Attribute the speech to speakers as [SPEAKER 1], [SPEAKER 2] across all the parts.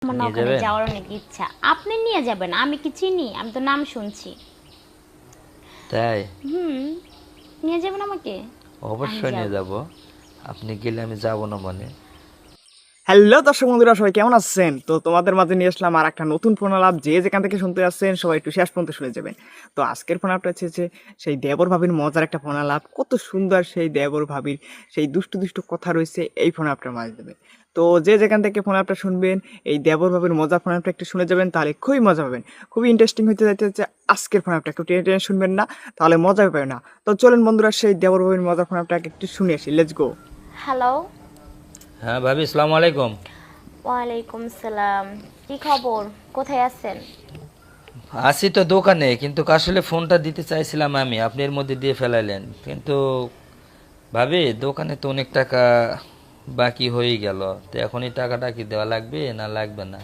[SPEAKER 1] আমার না
[SPEAKER 2] নিয়ে
[SPEAKER 1] ওখানে
[SPEAKER 2] যাবেন?
[SPEAKER 1] যাওয়ার অনেক ইচ্ছা। আপনি নিয়ে যাবেন, আমি কি চিনি? আমি তো নাম শুনছি।
[SPEAKER 2] তাই?
[SPEAKER 1] হুম, নিয়ে যাবেন আমাকে? আমি
[SPEAKER 2] অবশ্যই নিয়ে
[SPEAKER 1] যাব।
[SPEAKER 2] যাব। আপনি গেলে আমি যাব না মানে?
[SPEAKER 3] হ্যালো দর্শক বন্ধুরা, সবাই কেমন আছেন? তো তোমাদের মাঝে নিয়ে আসলাম আর একটা নতুন ফোন আলাপ। যে যেখান থেকে শুনতে আসছেন সবাই একটু শেষ পর্যন্ত শুনে যাবেন। তো আজকের ফোন আলাপটা হচ্ছে যে সেই দেবর ভাবির মজার একটা ফোন আলাপ। কত সুন্দর সেই দেবর ভাবির সেই দুষ্টু দুষ্টু কথা রয়েছে এই ফোন আলাপটার মাঝে দেবে। তো যে যেখান থেকে ফোন আলাপটা শুনবেন, এই দেবর ভাবির মজার ফোন আলাপটা একটু শুনে যাবেন, তাহলে খুবই মজা পাবেন। খুবই ইন্টারেস্টিং হতে যাইতে হচ্ছে আজকের ফোন আলাপটা। একটু টেনে টেনে শুনবেন না, তাহলে মজা পাবেন না। তো চলুন বন্ধুরা, সেই দেবর ভাবির মজার ফোন আলাপটা একটু শুনে আসি। Let's go.
[SPEAKER 1] হ্যালো।
[SPEAKER 2] হ্যাঁ ভাবি, আসসালামু আলাইকুম।
[SPEAKER 1] ওয়ালাইকুম সালাম। কি খবর? কোথায় আছেন?
[SPEAKER 2] আসি তো দোকানে, কিন্তু আসলে ফোনটা দিতে চাইছিলাম আমি, আপনি এর মধ্যে দিয়ে ফেলাইলেন। কিন্তু ভাবি, দোকানে তো অনেক টাকা বাকি হয়ে গেল। তো এখন এই টাকাটা কি দেওয়া লাগবে না লাগবে না?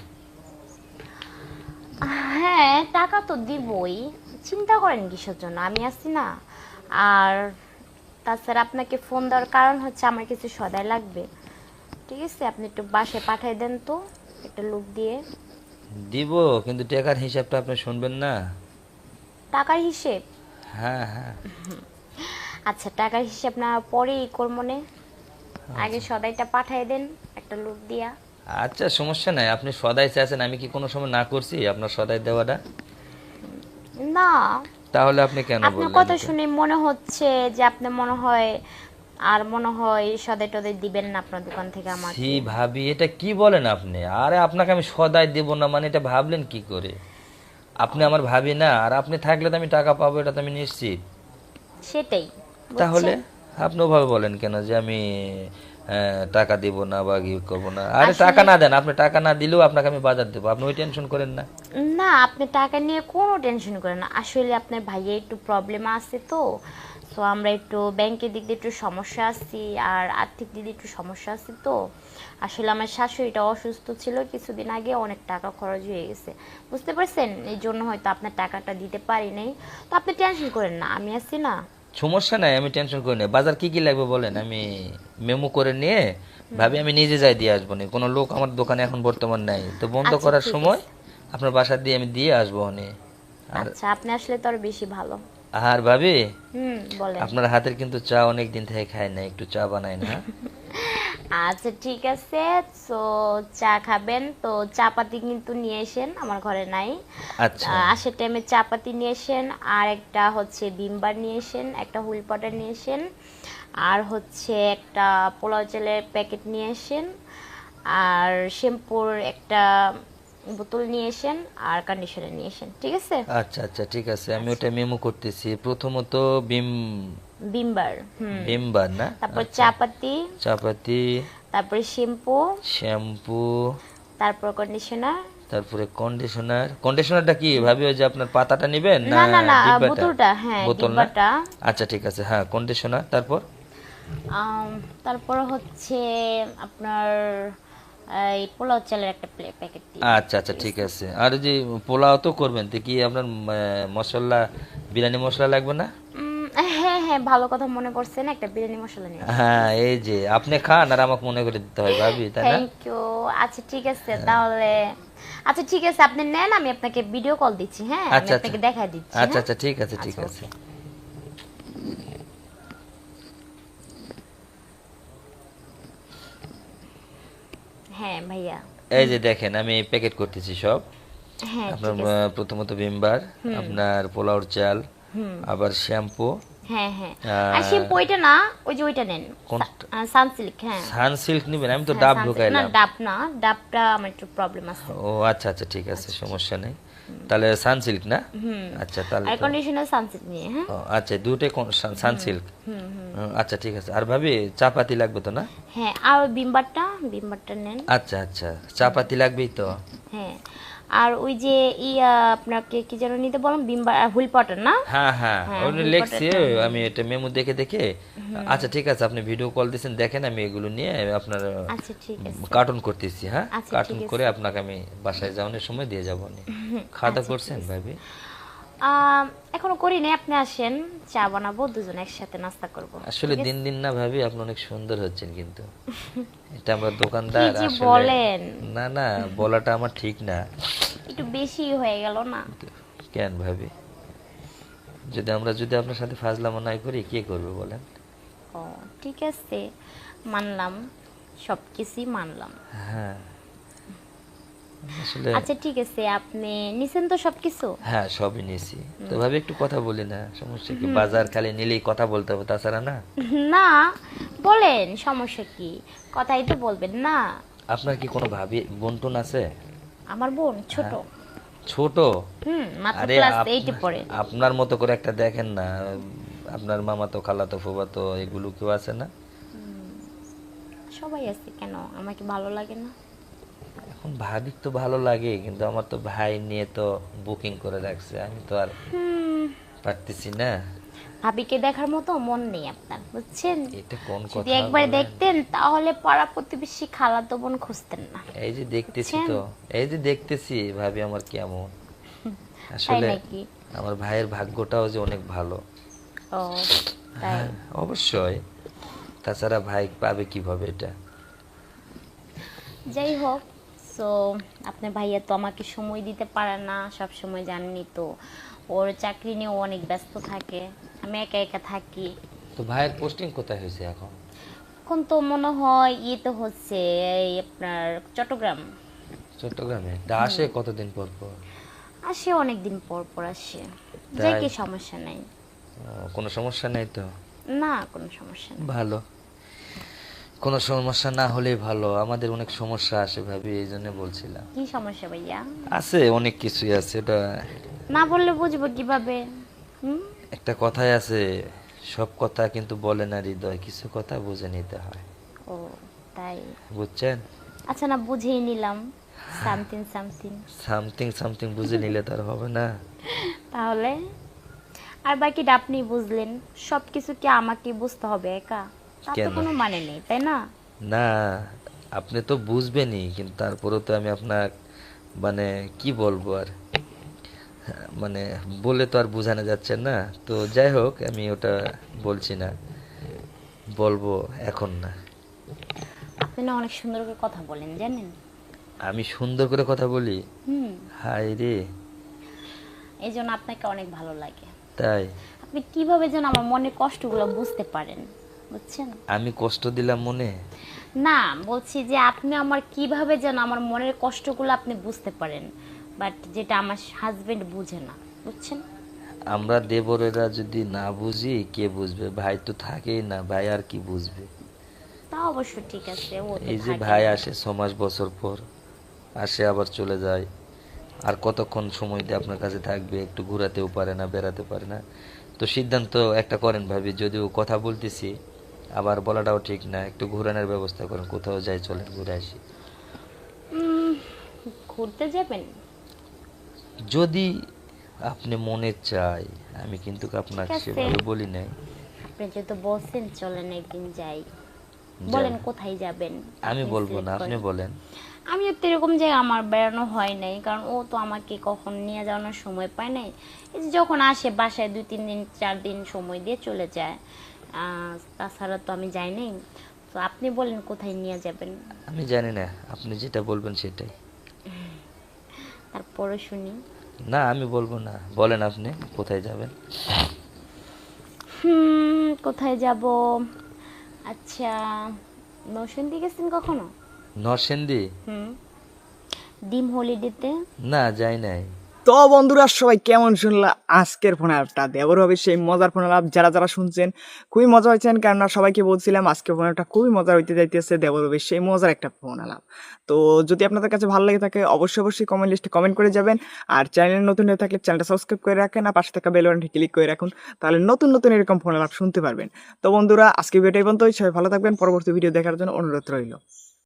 [SPEAKER 1] হ্যাঁ, টাকা তো দিবই। চিন্তা করেন কিসের জন্য? আমি আছি না। আর তাছাড়া আপনাকে ফোন দেওয়ার কারণ হচ্ছে আমার কিছু সদাই লাগবে। ঠিক আছে, আপনি একটু বাসায় পাঠিয়ে দেন তো, একটা লোক দিয়ে।
[SPEAKER 2] দিব, কিন্তু টাকার হিসাবটা আপনি শুনবেন না?
[SPEAKER 1] টাকার হিসেব?
[SPEAKER 2] হ্যাঁ হ্যাঁ।
[SPEAKER 1] আচ্ছা, টাকার হিসেব না পরেই করমনে, আগে সদাইটা পাঠিয়ে দেন একটা লোক দিয়া।
[SPEAKER 2] আচ্ছা, সমস্যা নাই। আপনি সদাই চাইছেন, আমি কি কোনো সময় না করছি আপনার সদাই দেওয়াটা?
[SPEAKER 1] না,
[SPEAKER 2] তাহলে আপনি কেন
[SPEAKER 1] আপনার
[SPEAKER 2] বললেন
[SPEAKER 1] কথা
[SPEAKER 2] তো?
[SPEAKER 1] শুনে মনে হচ্ছে যে আপনি মনে হয় আর মনে হয় সদাই টদাই দিবেন না আপনার দোকান থেকে
[SPEAKER 2] ছি
[SPEAKER 1] আমাকে।
[SPEAKER 2] ভাবি, এটা কি বলেন আপনি? আরে আপনাকে আমি সদাই দেব না মানে এটা ভাবলেন কি করে? আপনি আমার ভাবি না, আর আপনি থাকলে তো আমি টাকা পাবো, এটা তো আমি নিশ্চিত।
[SPEAKER 1] সেটাই,
[SPEAKER 2] তাহলে
[SPEAKER 1] বুঝছেন?
[SPEAKER 2] আপনি ওভাবে বলেন কেন যে আমি টাকা দিব না বা কি করবো না? আরে টাকা
[SPEAKER 1] আসলে
[SPEAKER 2] না দেন, আপনি টাকা না দিলেও আপনাকে আমি বাজার দেবো, আপনি ওই টেনশন করেন না।
[SPEAKER 1] না, আপনি টাকা নিয়ে কোনো টেনশন করেন না। আসলে আপনার ভাইয়ের একটু প্রবলেম আছে তো, তো আমরা একটু ব্যাংকের দিক দিয়ে একটু সমস্যা আছি, আর আর্থিক দিক দিয়ে একটু সমস্যা আছে তো। আসলে আমার শাশুড়িটা অসুস্থ ছিল কিছুদিন আগে, অনেক টাকা খরচ হয়ে গেছে, বুঝতে পারছেন? এই জন্য হয়তো আপনার টাকাটা দিতে পারি নাই। তো আপনি টেনশন করেন না, আমি আছি না।
[SPEAKER 2] সমস্যা নাই, আমি টেনশন করি না। বাজার কি কি লাগবে বলেন, আমি মেমো করে নিয়ে ভাবি আমি নিজে যাই দিয়ে আসবো না। কোনো লোক আমার দোকানে এখন বর্তমান নাই, তো বন্ধ
[SPEAKER 1] আচ্ছা,
[SPEAKER 2] করার
[SPEAKER 1] ঠিক
[SPEAKER 2] সময়
[SPEAKER 1] আছে।
[SPEAKER 2] আপনার বাসা দিয়ে আমি দিয়ে আসবো নে। আর
[SPEAKER 1] আচ্ছা, আপনি আসলে তো আরো বেশি ভালো।
[SPEAKER 2] আর ভাবি,
[SPEAKER 1] বলেন।
[SPEAKER 2] আপনার হাতের কিন্তু চা অনেক দিন থেকে খাই না, একটু চা বানাই না?
[SPEAKER 1] আচ্ছা, ঠিক আছে। তো চা খাবেন তো চা পাতি কিন্তু নিয়ে এসেন, আমার ঘরে নাই।
[SPEAKER 2] আচ্ছা
[SPEAKER 1] আসার টাইমে চা পাতি নিয়ে এসেন, আর একটা হচ্ছে ভিমবার নিয়ে এসেন, একটা হুইল পাউডার নিয়ে এসেন, আর হচ্ছে একটা পোলাও চালের প্যাকেট নিয়ে এসেন, আর শ্যাম্পুর একটা বোতল নিয়ে এসেন, আর কন্ডিশনার নিয়ে এসেন, ঠিক আছে?
[SPEAKER 2] আচ্ছা আচ্ছা, ঠিক আছে, আমি
[SPEAKER 1] আচ্ছা,
[SPEAKER 2] ওটা মেমো করতেছি। প্রথমত বিম
[SPEAKER 1] ভিমবার,
[SPEAKER 2] ভিমবার না?
[SPEAKER 1] তারপর
[SPEAKER 2] আচ্ছা,
[SPEAKER 1] চা পাতি,
[SPEAKER 2] চাপাতি,
[SPEAKER 1] তারপরে শ্যাম্পু,
[SPEAKER 2] শ্যাম্পু,
[SPEAKER 1] তারপর কন্ডিশনার।
[SPEAKER 2] তারপরে কন্ডিশনার। কন্ডিশনারটা কি ভাবি, ওই যে আপনার পাতাটা নেবেন না
[SPEAKER 1] না না না,
[SPEAKER 2] ডিব্বাটা?
[SPEAKER 1] বোতলটা, হ্যাঁ,
[SPEAKER 2] বোতল না?
[SPEAKER 1] ডিব্বাটা।
[SPEAKER 2] আচ্ছা ঠিক আছে, হ্যাঁ কন্ডিশনার। তারপর
[SPEAKER 1] তারপর হচ্ছে আপনার এই পোলাও চালের একটা প্যাকেট দিন,
[SPEAKER 2] আচ্ছা আচ্ছা,
[SPEAKER 1] ঠিক
[SPEAKER 2] ঠিক
[SPEAKER 1] আছে?
[SPEAKER 2] আছে। আর ওই যে পোলাও তো করবেন, তো কি আপনার মশলা, বিরিয়ানি মশলা লাগবে না?
[SPEAKER 1] হ্যাঁ হ্যাঁ, ভালো কথা মনে করছেন, একটা বিরিয়ানি মশলা নিয়ে আসেন, ঠিক
[SPEAKER 2] হ্যাঁ,
[SPEAKER 1] আছে?
[SPEAKER 2] এই যে আপনি খান আর আমাকে মনে করে দিতে হয় ভাবি, তাই না?
[SPEAKER 1] Thank you. আচ্ছা, ঠিক আছে তাহলে। আচ্ছা, ঠিক আছে, আপনি নেন, আমি আপনাকে ভিডিও কল দিচ্ছি, হ্যাঁ, আমি
[SPEAKER 2] আচ্ছা আচ্ছা
[SPEAKER 1] আপনাকে দেখাই দিচ্ছি,
[SPEAKER 2] আচ্ছা
[SPEAKER 1] হ্যাঁ।
[SPEAKER 2] আচ্ছা, ঠিক আছে ঠিক
[SPEAKER 1] আচ্ছা,
[SPEAKER 2] আছে।
[SPEAKER 1] ওকে। হ্যাঁ ভাইয়া।
[SPEAKER 2] এই যে দেখেন, আমি প্যাকেট করতেছি সব।
[SPEAKER 1] হ্যাঁ,
[SPEAKER 2] আপনার
[SPEAKER 1] ঠিক আছে।
[SPEAKER 2] প্রথমত ভিমবার, আপনার পোলাওর চাল, আবার শ্যাম্পু।
[SPEAKER 1] হ্যাঁ হ্যাঁ। আর
[SPEAKER 2] আহ,
[SPEAKER 1] শ্যাম্পু ওইটা না, ওই যে ওইটা নেন,
[SPEAKER 2] কোনটা?
[SPEAKER 1] সানসিল্ক, হ্যাঁ।
[SPEAKER 2] সানসিল্ক নিবেন? আমি তো
[SPEAKER 1] হ্যাঁ,
[SPEAKER 2] ডাব
[SPEAKER 1] সানসিল্ক না,
[SPEAKER 2] ঢুকাইলাম।
[SPEAKER 1] ডাব না, ডাবটা আমার একটু প্রবলেম আছে।
[SPEAKER 2] ও আচ্ছা আচ্ছা, ঠিক আছে,
[SPEAKER 1] আচ্ছা, ঠিক।
[SPEAKER 2] সমস্যা নেই। তাহলে সানসিল্ক না? আচ্ছা তাহলে
[SPEAKER 1] আর
[SPEAKER 2] তো,
[SPEAKER 1] কন্ডিশনার সানসিল্ক নিয়ে, হ্যাঁ।
[SPEAKER 2] ও আচ্ছা, দুটোই সানসিল্ক। আচ্ছা ঠিক আছে। আর ভাবি, চাপাতি লাগবে তো না?
[SPEAKER 1] হ্যাঁ, আর ওই বিমবারটা নেন।
[SPEAKER 2] আচ্ছা আচ্ছা, চাপাতি লাগবেই তো।
[SPEAKER 1] হ্যাঁ, আর ওই যে আপনাকে কি যেন নিতে বললাম, বিমবার আর হুইল পাউডার না?
[SPEAKER 2] হ্যাঁ হ্যাঁ,
[SPEAKER 1] হ্যাঁ,
[SPEAKER 2] ওটা
[SPEAKER 1] হুইল
[SPEAKER 2] লেখছি,
[SPEAKER 1] পাউডারটা।
[SPEAKER 2] আমি এটা মেমো দেখে দেখে। আচ্ছা ঠিক আছে, আপনি ভিডিও কল দিয়েছেন, দেখেন আমি এগুলো নিয়ে আপনার
[SPEAKER 1] আচ্ছা, ঠিক আছে।
[SPEAKER 2] কার্টুন করতেছি। হ্যাঁ,
[SPEAKER 1] আচ্ছা,
[SPEAKER 2] কার্টুন
[SPEAKER 1] ঠিক
[SPEAKER 2] করে
[SPEAKER 1] আছে।
[SPEAKER 2] আপনাকে আমি বাসায় যাওয়ানোর সময় দিয়ে যাবো নি। খাওয়া দাওয়া
[SPEAKER 1] আচ্ছা, ঠিক
[SPEAKER 2] করছেন
[SPEAKER 1] আছে।
[SPEAKER 2] ভাবি?
[SPEAKER 1] এখনো করি নাই, আপনি আসেন, চা বানাবো, দুজন একসাথে নাস্তা করব।
[SPEAKER 2] আসলে দিন দিন না ভাবি আপনি অনেক সুন্দর হচ্ছেন, কিন্তু এটা আমরা
[SPEAKER 1] কি
[SPEAKER 2] দোকানদার
[SPEAKER 1] যে
[SPEAKER 2] আসলে।
[SPEAKER 1] বলেন,
[SPEAKER 2] না না, বলাটা আমার ঠিক না।
[SPEAKER 1] একটু বেশি হয়ে গেল না?
[SPEAKER 2] কেন ভাবি, যদি আপনার সাথে ফাজলামো নাই করি কে করবে বলেন?
[SPEAKER 1] ও ঠিক আছে, মানলাম, সব কিছুই মানলাম।
[SPEAKER 2] হ্যাঁ আসলে
[SPEAKER 1] আচ্ছা ঠিক আছে, আপনি নিছেন তো সবকিছু?
[SPEAKER 2] হ্যাঁ সবই নিয়েছি। তো ভাবি একটু কথা বলি না, সমস্যা কি? বাজার খালি নিলেই কথা বলতে হবে, তাছাড়া না।
[SPEAKER 1] না, বলেন, সমস্যা কি? কথাই তো বলবেন না।
[SPEAKER 2] আপনার কি কোনো ভাবি বোন টোন আছে?
[SPEAKER 1] আমার বোন ছোট।
[SPEAKER 2] ছোট?
[SPEAKER 1] মাত্র
[SPEAKER 2] আরে
[SPEAKER 1] ক্লাস 8 এ পড়ে।
[SPEAKER 2] আপনার মতো করে একটা দেখেন না, আপনার মামা তো খালা তো ফুবা তো এগুলো কেউ আছে না?
[SPEAKER 1] সবাই আছে, কেন আমাকে ভালো লাগে না?
[SPEAKER 2] এখন ভাবি তো ভালো লাগে, কিন্তু আমার তো ভাই নিয়ে তো বুকিং করে রাখছে, আমি তো আর পারতেছি না।
[SPEAKER 1] ভাবিকে দেখার মতো মন নেই আপনার, বুঝছেন?
[SPEAKER 2] এটা কোন
[SPEAKER 1] যদি
[SPEAKER 2] কথা
[SPEAKER 1] একবার
[SPEAKER 2] বলেন?
[SPEAKER 1] দেখতেন তাহলে পাড়া প্রতিবেশী খালাতো বোন খুঁজতেন না।
[SPEAKER 2] এই যে দেখতেছি
[SPEAKER 1] বুঝছেন?
[SPEAKER 2] তো, এই যে দেখতেছি ভাবি আমার কেমন।
[SPEAKER 1] তাই
[SPEAKER 2] আসলে
[SPEAKER 1] নাকি?
[SPEAKER 2] আমার ভাইয়ের ভাগ্যটাও যে অনেক ভালো।
[SPEAKER 1] ও তাই?
[SPEAKER 2] অবশ্যই, তাছাড়া ভাই পাবে কিভাবে এটা?
[SPEAKER 1] যাই হোক, সো আপনার ভাইয়া তো আমাকে সময় দিতে পারে না সব সময়, জাননি তো। ওর চাকরি নিয়ে ও অনেক ব্যস্ত থাকে, আমি একা একা থাকি।
[SPEAKER 2] তো ভাইয়ের পোস্টিং কোথায় হয়েছে এখন?
[SPEAKER 1] এখন তো মনে হয় ইয়েতে হচ্ছে, এই আপনার চট্টগ্রাম।
[SPEAKER 2] চট্টগ্রামে? তা আসে কতদিন পর পর?
[SPEAKER 1] আসে অনেক দিন পর পর আসে।
[SPEAKER 2] তাই?
[SPEAKER 1] যাই কি, সমস্যা নাই।
[SPEAKER 2] কোনো সমস্যা নেই তো?
[SPEAKER 1] না, কোনো সমস্যা নেই।
[SPEAKER 2] ভালো, কোনো সমস্যা না হলেই ভালো। আমাদের অনেক সমস্যা আসে ভাবি, এই জন্য বলছিলাম।
[SPEAKER 1] কি সমস্যা ভাইয়া?
[SPEAKER 2] আছে, অনেক কিছুই আছে। এটা
[SPEAKER 1] না বললে বুঝবো কিভাবে? হুম।
[SPEAKER 2] একটা কথাই আছে, সব কথা কিন্তু বলে না হৃদয়, কিছু কথা বুঝে নিতে হয়।
[SPEAKER 1] ও তাই?
[SPEAKER 2] বুঝছেন?
[SPEAKER 1] আচ্ছা, না বুঝেই নিলাম, সামথিং সামথিং।
[SPEAKER 2] সামথিং সামথিং বুঝে নিলে তার হবে না।
[SPEAKER 1] তাহলে আর বাকিটা আপনি বুঝলেন, সব কিছু কি আমাকে বুঝতে হবে একা? তার তো
[SPEAKER 2] কেন?
[SPEAKER 1] কোনো মানে নেই, তাই না?
[SPEAKER 2] না, আপনি তো বুঝবেনই, কিন্তু তারপরেও তো আমি আপনার মানে কি বলবো আর, মানে বলে তো আর বোঝানো যাচ্ছে না। তো যাই হোক, আমি ওটা বলছি না, বলবো এখন না।
[SPEAKER 1] আপনি না অনেক সুন্দর করে কথা বলেন, জানেন?
[SPEAKER 2] আমি সুন্দর করে কথা বলি?
[SPEAKER 1] হুম।
[SPEAKER 2] হাই রে,
[SPEAKER 1] এই জন্য আপনাকে অনেক ভালো লাগে।
[SPEAKER 2] তাই?
[SPEAKER 1] আপনি কিভাবে যেন আমার মনের কষ্টগুলো বুঝতে পারেন, বুঝছেন?
[SPEAKER 2] আমি কষ্ট দিলাম মনে?
[SPEAKER 1] না, বলছি যে আপনি আমার কিভাবে যেন আমার মনের কষ্টগুলো আপনি বুঝতে পারেন, বাট যেটা আমার হাজবেন্ড বুঝে না, বুঝছেন?
[SPEAKER 2] আমরা দেবরেরা যদি না বুঝি কে বুঝবে? ভাই তো থাকেই না, ভাই আর কি বুঝবে?
[SPEAKER 1] তা অবশ্য ঠিক আছে, ও তো
[SPEAKER 2] এই যে
[SPEAKER 1] থাকে
[SPEAKER 2] ভাই
[SPEAKER 1] না।
[SPEAKER 2] আসে 6 মাস বছর পর, আসে আবার চলে যায়, আর কতক্ষণ সময় দিয়ে আপনার কাছে থাকবে? একটু ঘোরাতেও পারে না, বেড়াতে পারে না। তো সিদ্ধান্ত একটা করেন ভাবি, যদিও কথা বলতেছি, আবার বলাটাও ঠিক না, একটু ঘোরানোর ব্যবস্থা করেন, কোথাও যাই, চলেন ঘুরে আসি।
[SPEAKER 1] উম, ঘুরতে যাবেন?
[SPEAKER 2] যদি আপনি মনে চাই, আমি কিন্তু
[SPEAKER 1] ঠিক
[SPEAKER 2] আপনাকে
[SPEAKER 1] আছে,
[SPEAKER 2] সেভাবে বলি নাই।
[SPEAKER 1] আপনি যেহেতু বলছেন চলেন একদিন যাই।
[SPEAKER 2] যাই।
[SPEAKER 1] বলেন কোথায় যাবেন?
[SPEAKER 2] আমি
[SPEAKER 1] আপনি
[SPEAKER 2] বলবো
[SPEAKER 1] select
[SPEAKER 2] না, আপনি
[SPEAKER 1] করেন।
[SPEAKER 2] বলেন।
[SPEAKER 1] আমিও তো এরকম জায়গা আমার বেড়ানো হয় নাই, কারণ ও তো আমাকে কখন নিয়ে যাওয়ানোর সময় পায় নাই। এই যে যখন আসে বাসায় 2-3 দিন 4 দিন সময় দিয়ে চলে যায়, তাছাড়া তো আমি যাই নাই। তো আপনি বলেন কোথায় নিয়ে যাবেন,
[SPEAKER 2] আমি জানি না, আপনি যেটা বলবেন সেটাই।
[SPEAKER 1] তারপরে শুনি।
[SPEAKER 2] না আমি বলবো না, বলেন আপনি কোথায় যাবেন।
[SPEAKER 1] কোথায় যাব? আচ্ছা, নরসিংদী গেছেন কখনো?
[SPEAKER 2] নরসিংদী?
[SPEAKER 1] হুম। ডিম হলিডেতে।
[SPEAKER 2] না যাই নাই।
[SPEAKER 3] তো বন্ধুরা সবাই কেমন শুনলা আজকের ফোন অ্যাপটা? দেবর হবে সেই মজার ফোন অ্যাপ, যারা যারা শুনছেন খুবই মজা হয়েছেন, কেননা সবাইকে বলছিলাম আজকের ফোন অ্যাপটা খুবই মজা হইতে যাইতেছে। দেবর হবে সেই মজার একটা ফোন অ্যাপ। তো যদি আপনাদের কাছে ভালো লাগে থাকে অবশ্যই অবশ্যই কমেন্ট লিস্টে কমেন্ট করে যাবেন। আর চ্যানেল নতুন হয়ে থাকলে চ্যানেলটা সাবস্ক্রাইব করে রাখেন, আর পাশে থাকা বেল বাটনটি ক্লিক করে রাখুন, তাহলে নতুন নতুন এরকম ফোন অ্যাপ শুনতে পারবেন। তো বন্ধুরা আজকে ভিডিওটা এই পর্যন্তই, সবাই ভালো থাকবেন, পরবর্তী ভিডিও দেখার জন্য অনুরোধ রইল।